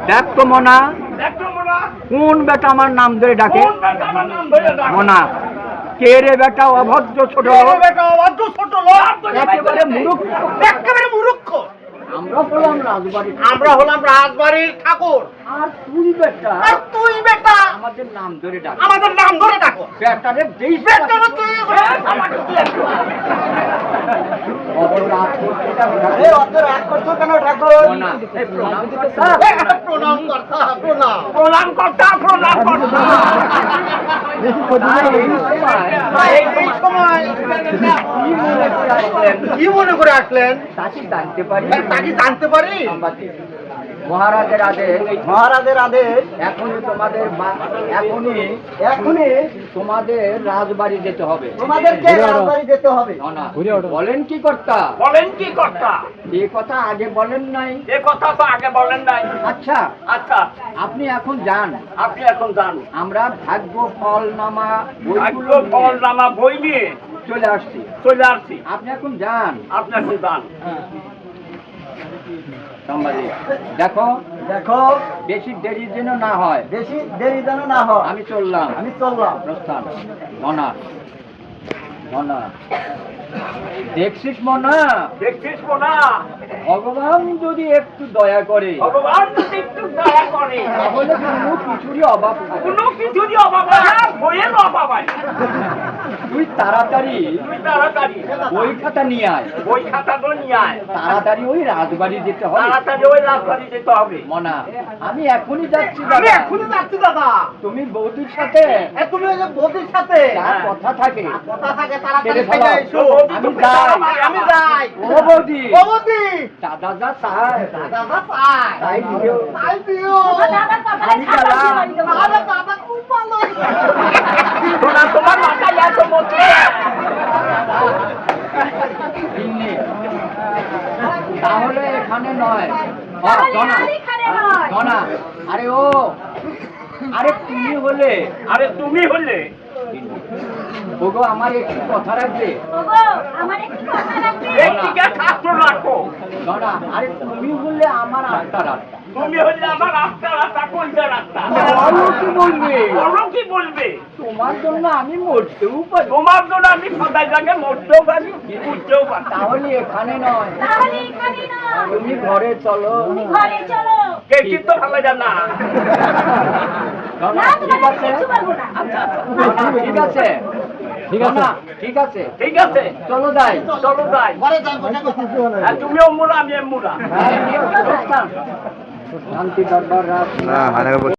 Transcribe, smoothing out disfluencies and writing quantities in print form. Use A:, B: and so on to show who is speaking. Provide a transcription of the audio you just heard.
A: দেখ তো মনা, কোন বেটা আমার নাম ধরে ডাকে? মনা, কে রে বেটা অভদ্র ছোট লোক? একেবারে মূর্খ,
B: একেবারে মূর্খ।
A: আমরা হলাম রাজবাড়ির ঠাকুর। আর তুই বেটা আমাদের নাম ধরে ডাক।
B: আমাদের নাম ধরে ডাকো।
A: বেটারে দেই
B: বেটারে তুই আমাকে তুই অত রাগ করছো কেন ঠাকুর?
A: মনা, এই প্রণাম করতে
B: প্রণাম করতা, প্রণাম।
A: প্রণাম করতে প্রণাম করতে।
B: এই সময় কি মনে করে আসলেন?
A: তাকে জানতে পারি,
B: তাকে জানতে পারি।
A: মহারাজের আদেশ,
B: মহারাজের আদেশ
A: এখনই তোমাদের রাজবাড়ি যেতে হবে।
B: তোমাদেরকে রাজবাড়ি যেতে হবে।
A: না, বলেন কি কর্তা? এ কথা আগে বলেন নাই। আচ্ছা, আপনি এখন যান। আমরা ভাগ্য ফলনামা বই নিয়ে চলে আসছি। আপনি এখন যান। দেখো বেশি দেরি যেন না হয়। আমি চললাম। প্রস্থান। মনা, দেখছিস মনা, ভগবান যদি একটু দয়া করে তাহলে কোনো কিছুরই অভাব হবে। তুই তাড়াতাড়ি বই খাতা নিয়ে আয়। তাড়াতাড়ি ওই রাজবাড়ি যেতে হবে। মনা, আমি এখনই যাচ্ছি দাদা। তুমি বৌদির সাথে যা কথা থাকে আমি যাই। ও বৌদি, দাদা যা চায় তাই দিও। আমি গেলাম। তোমার মাথায় এত মধ্যে তাহলে এখানে নয়। আরে তুমি হলে ওগো, আমার একটু কথা রাখবে। আরে তুমি বললে আমার আত্মার কি বলবে? তোমার জন্য আমি মরতেও পারি। তোমার জন্য আমি সদাই জায়গায় মরতেও পারি, বুঝতেও পারি। তাহলে এখানে নয়, তুমি ঘরে চলো। তো ভালো জানা। ঠিক আছে, চলো যাই। তুমিও মুরা, আমি মুরা। শান্তি দরবার রাত।